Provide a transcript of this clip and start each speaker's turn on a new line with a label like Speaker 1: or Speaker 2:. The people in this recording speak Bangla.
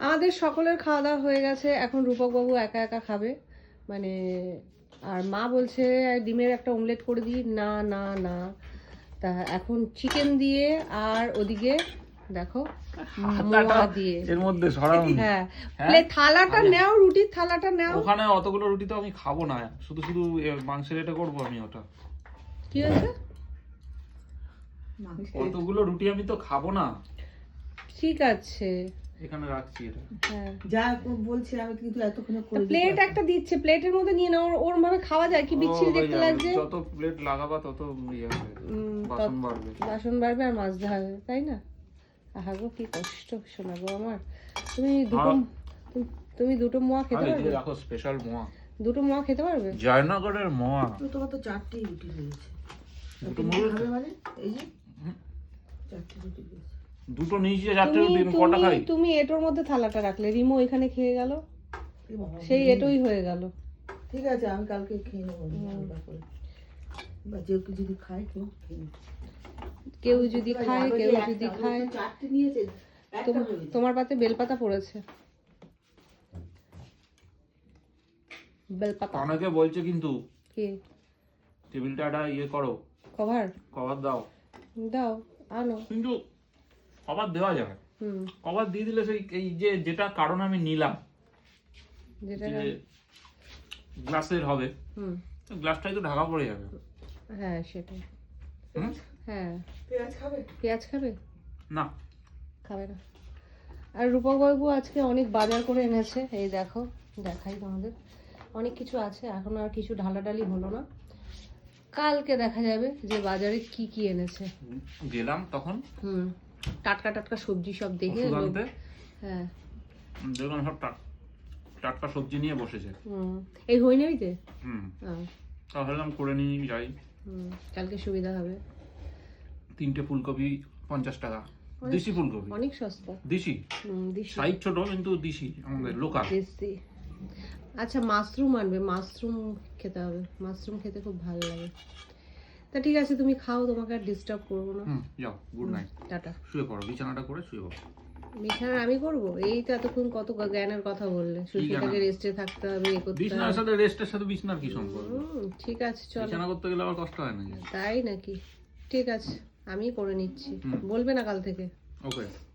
Speaker 1: আমাদের সকলের খাওয়া দাওয়া হয়ে গেছে, এখন রূপক বাবু একা একা খাবে মানে। আর মা বলছে ডিমের একটা অমলেট করে দিই, না না না। তা এখন চিকেন দিয়ে আর ওদিকে দেখো মোয়া দিয়ে
Speaker 2: এর মধ্যে সরাও।
Speaker 1: হ্যাঁ, প্লেট থালাটা নাও, রুটির থালাটা নাও।
Speaker 2: ওখানে অতগুলো রুটি তো আমি খাবো না, শুধু শুধু মাংসের এটা করবো আমি। ওটা
Speaker 1: কি হয়েছে?
Speaker 2: অতগুলো রুটি আমি তো খাবো না।
Speaker 1: ঠিক আছে,
Speaker 2: এখানে রাখছি এটা।
Speaker 1: হ্যাঁ
Speaker 3: যা বলছি আমি কিন্তু এতক্ষণে করে
Speaker 1: প্লেট একটা দিচ্ছে, প্লেটের মধ্যে নিয়ে নাও। ওর ভাবে খাওয়া যায় কি? বিচ্ছিরি দেখতে লাগছে।
Speaker 2: যত প্লেট লাগাবা তত ইয়ে হবে, বাসন বাড়বে।
Speaker 1: বাসন বাড়বে আর মাজতে হবে, তাই না? আহা গো কি কষ্ট শোনা গো আমার। তুমি দুটো মোয়া খেতে পারবে?
Speaker 2: দেখো স্পেশাল মোয়া,
Speaker 1: দুটো মোয়া খেতে পারবে?
Speaker 2: জয়নগরের মোয়া।
Speaker 3: তোমার তো 4টি রুটি রয়েছে।
Speaker 2: দুটো মুড়ি
Speaker 3: খাবে মানে এই যে 4টি রুটি রয়েছে।
Speaker 2: দুটো নিয়েছি, 4টে রুটি কটা খাই?
Speaker 1: তুমি এটোর মধ্যে থালাটা রাখলে, রিমো এখানে খেয়ে গেল, সেই এটোই হয়ে গেল।
Speaker 3: ঠিক আছে, আমি কালকে খেয়ে নেবো আলাদা করে। বা যে কেউ যদি খায় কেউ খেয়ে নেবে।
Speaker 1: কেউ যদি খায়, কেউ যদি খায়।
Speaker 3: 4টি নিয়েছে, একটা হয়েছে।
Speaker 1: তোমার পাতে বেলপাতা পড়েছে, বেলপাতা।
Speaker 2: অনেকে বলছে কিন্তু
Speaker 1: কি
Speaker 2: টেবিলটা একটা ইয়ে করো,
Speaker 1: কভার
Speaker 2: কভার দাও।
Speaker 1: দাও, আনো।
Speaker 2: কিন্তু কভার দেওয়া যাবে,
Speaker 1: হুম,
Speaker 2: কভার দিয়ে দিলে সেই এই যে যেটা কারণ আমি নিলাম
Speaker 1: যেটা
Speaker 2: যে গ্লাসের হবে,
Speaker 1: হুম,
Speaker 2: গ্লাসটাই তো ঢাকা পড়ে যাবে।
Speaker 1: হ্যাঁ সেটাই।
Speaker 2: হুম?
Speaker 1: হ্যাঁ,
Speaker 3: পেঁয়াজ খাবে?
Speaker 1: পেঁয়াজ খাবে?
Speaker 2: না,
Speaker 1: খাবে না। আর রূপক বাবু আজকে অনেক বাজার করে এনেছে, এই দেখো দেখাই তোমাদের। অনেক কিছু আছে, এখন আর কিছু ঢালাঢালি হলো না, কালকে দেখা যাবে যে বাজারে কি কি এনেছে।
Speaker 2: গেলাম তখন
Speaker 1: হুম, টাটকা টাটকা সবজি সব দেখে
Speaker 2: ওষুধ
Speaker 1: লোক-
Speaker 2: আনতে,
Speaker 1: হ্যাঁ
Speaker 2: দেখলাম সব টাটকা সবজি নিয়ে বসেছে।
Speaker 1: হুম, এই হইনিতে
Speaker 2: তা ভাবলাম করে নিয়ে যাই।
Speaker 1: কালকে সুবিধা হবে।
Speaker 2: 3টে ফুলকপি 50 টাকা, দেশি ফুলকপি,
Speaker 1: অনেক সস্তা।
Speaker 2: দেশি
Speaker 1: দিশি
Speaker 2: সাইজ ছোট কিন্তু দেশি, আমাদের লোকাল।
Speaker 1: দেশি। আচ্ছা মাশরুম আনবে, মাশরুম খেতে হবে, মাশরুম খেতে খুব ভালো লাগে। তা ঠিক আছে, তুমি খাও, তোমাকে আর ডিস্টার্ব করবো না।
Speaker 2: যাও, গুড নাইট,
Speaker 1: টাটা।
Speaker 2: শুয়ে পড়ো, বিছানাটা করে শুয়ে পড়ো।
Speaker 1: বিছানা আমি করবো? এই তো এতক্ষণ কত জ্ঞানের কথা বললে, সুস্মিতাকে রেস্টে থাকতে হবে, এ করতে
Speaker 2: বিছানার
Speaker 1: হবে।
Speaker 2: সাথে রেস্টের সাথে বিছানার কি সম্পর্ক?
Speaker 1: ঠিক আছে চলো।
Speaker 2: বিছানা করতে গেলে আবার কষ্ট হয় না?
Speaker 1: তাই নাকি? ঠিক আছে, আমি করে নিচ্ছি, বলবে না কাল থেকে।
Speaker 2: ওকে।